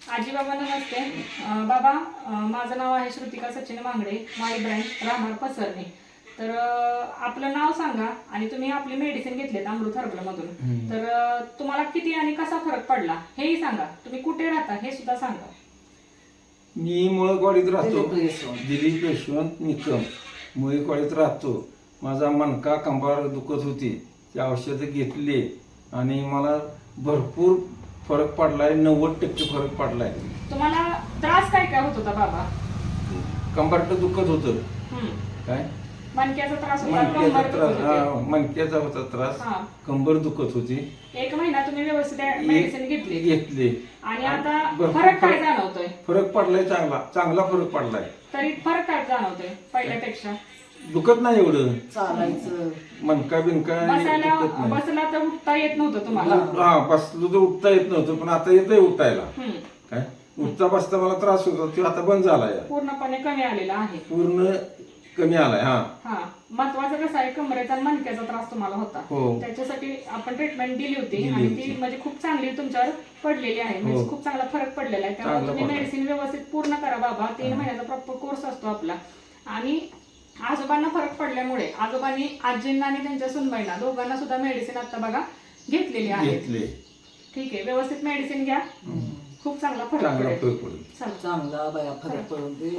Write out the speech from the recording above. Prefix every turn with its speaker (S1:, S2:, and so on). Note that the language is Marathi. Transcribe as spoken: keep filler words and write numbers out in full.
S1: आजी बाबा नमस्ते. अं, बाबा अं, माझं नाव आहे श्रुतिका सचिन मांगडे, माई ब्रँच राहणार पसरणे. तर अं, आपलं नाव सांगा आणि तुम्ही आपली मेडिसिन घेतलेत अमृत हर्बल मधून. तर अं, तुम्हाला किती आणि कसा फरक पडला हेही सांगा. तुम्ही कुठे राहता हे सुद्धा सांगा.
S2: मी मुळकवाडीत राहतो. दिलीप यशवंत निकम मुळकवाडीत राहतो. माझा मणका कंबर दुखत होती, ती औषधं घेतली आणि मला भरपूर फरक पडलाय. नव्वद टक्के फरक पडलाय.
S1: तुम्हाला त्रास काय काय होत होता बाबा?
S2: कंबरट दुखत होतं.
S1: हम्म.
S2: काय
S1: मणक्याचा त्रास होता,
S2: मणक्याचा
S1: कंबर
S2: त्रास
S1: दुखत
S2: हा
S1: होती.
S2: मणक्याचा होता त्रास.
S1: हा.
S2: कंबर दुखत होती.
S1: एक महिना तुम्ही व्यवस्थित मेडिसिन घेतली
S2: घेतली
S1: आणि आता
S2: भरपूर
S1: फरक काय जाणवतोय?
S2: फरक पडलाय. चांगला चांगला फरक पडलाय.
S1: तरी फरक काय जाणवतोय पहिल्यापेक्षा?
S2: दुखत नाही एवढं.
S3: चालायचं
S2: मणका बिनका
S1: बसायला
S2: दुखत नाही.
S1: बसला तर उठता येत नव्हतं तुम्हाला.
S2: हा बसलो तर उठता येत नव्हतं, पण आता येतंय उठायला.
S1: हम्म.
S2: काय उठता बसता मला त्रास होता, तो आता बंद झालाय.
S1: पूर्णपणे कमी आलेला आहे.
S2: पूर्ण कमी आलाय. हा
S1: हा महत्वाचं कसं आहे, कमरेचा आणि मणक्याचा त्रास तुम्हाला होता.
S2: हो.
S1: त्याच्यासाठी आपण ट्रीटमेंट दिली होती
S2: दिली
S1: आणि
S2: होती.
S1: ती म्हणजे खूप चांगली तुमच्यावर पडलेली आहे. म्हणजे
S2: हो.
S1: खूप चांगला फरक पडलेला आहे. त्यामुळे
S2: चांगला
S1: तुम्ही
S2: पडला.
S1: मेडिसिन व्यवस्थित पूर्ण करा बाबा. तीन महिन्याचा प्रॉपर कोर्स असतो आपला. आणि आजोबांना फरक पडल्यामुळे आजोबांनी आजींना आणि त्यांच्या सुनबाईंना दोघांना सुद्धा मेडिसिन आता बघा घेतलेली आहे.
S2: घेतले.
S1: ठीक आहे, व्यवस्थित मेडिसिन घ्या. खूप चांगला फरक
S2: चांगला
S1: पडेल.
S2: फरक पडेल.
S1: चला.
S3: चांगला बाया फरक पडून दे.